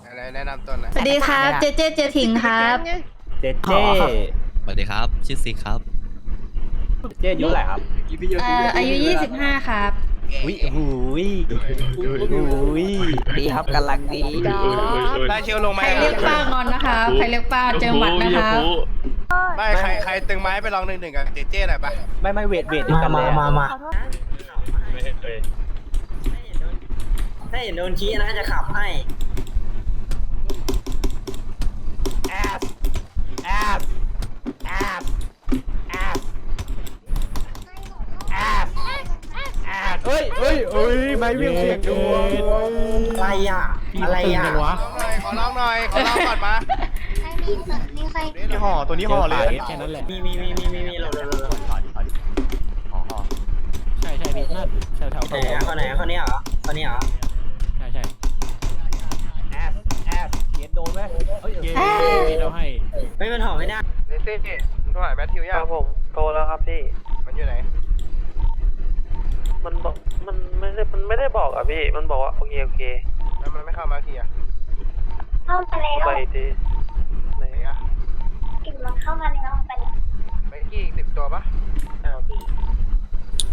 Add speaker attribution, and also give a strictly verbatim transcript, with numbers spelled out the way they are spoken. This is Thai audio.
Speaker 1: อะไรแนะนำตัวหน่อย
Speaker 2: สวัสดีครับ เจเจเจถิงครับ
Speaker 3: เจเจ
Speaker 4: สวัสดีครับ ชื่อซิกครับ
Speaker 3: เจอายุเท่าไหร่ครับ
Speaker 2: เอ่ออายุยี่สิบห้าครับ
Speaker 3: วิหูยหูยดีครับกำลังดี
Speaker 1: ได้เชียวลงไหม
Speaker 2: ใครเรียกป้างอนนะคะใครเรียกป้าเจอหมัดนะคะ
Speaker 1: ไม่ใครใครตึงไม้ไปลองหนึ่งหนึ่งกับเจเจหน่อยปะ
Speaker 3: ไม่ไม่เวทเวทด้วยกันเลยมามา
Speaker 5: ถ้าเห็นโดนชี้นะจะขับให้
Speaker 1: แอสแอสแอสแอสแอสแอส
Speaker 3: เฮ้ยเฮ้ยเฮ้ยไม่เวียงเสียงดวง
Speaker 5: อะไรอ่ะ อะไรอ่ะ
Speaker 1: ขอลองหน่อยขอลองหน่อยขอลองก่อนมา
Speaker 6: ใครมีมีใคร
Speaker 1: นี่ห่อตัวนี้ห่อเลย
Speaker 3: แค่นั้นแหละ
Speaker 5: มีมีมีมีมีมีเราเราเรา
Speaker 3: ใช่ใช่พี่นั่นแถวแถว
Speaker 5: ไหนอะคนไหนอะคนนี้เหรอคนนี้เหรอ
Speaker 3: ใช่ใช่
Speaker 1: แอสแอส
Speaker 3: เกียร์โดนไหมเฮ้ยเราให้
Speaker 5: ไม่มันหอมไม่ได้
Speaker 1: เจเจมึงโทรหาแมทธิวยังผมโทรแล้วครับพี่มันอยู่ไหน
Speaker 7: มันบอกมันไม่ได้มันไม่ได้บอกอ่ะพี่มันบอกว่าโอเคโอเค
Speaker 1: แล้วมันไม่เข้ามาทีอ่ะ
Speaker 6: เข้ามาแล้ว
Speaker 7: ไปอีกที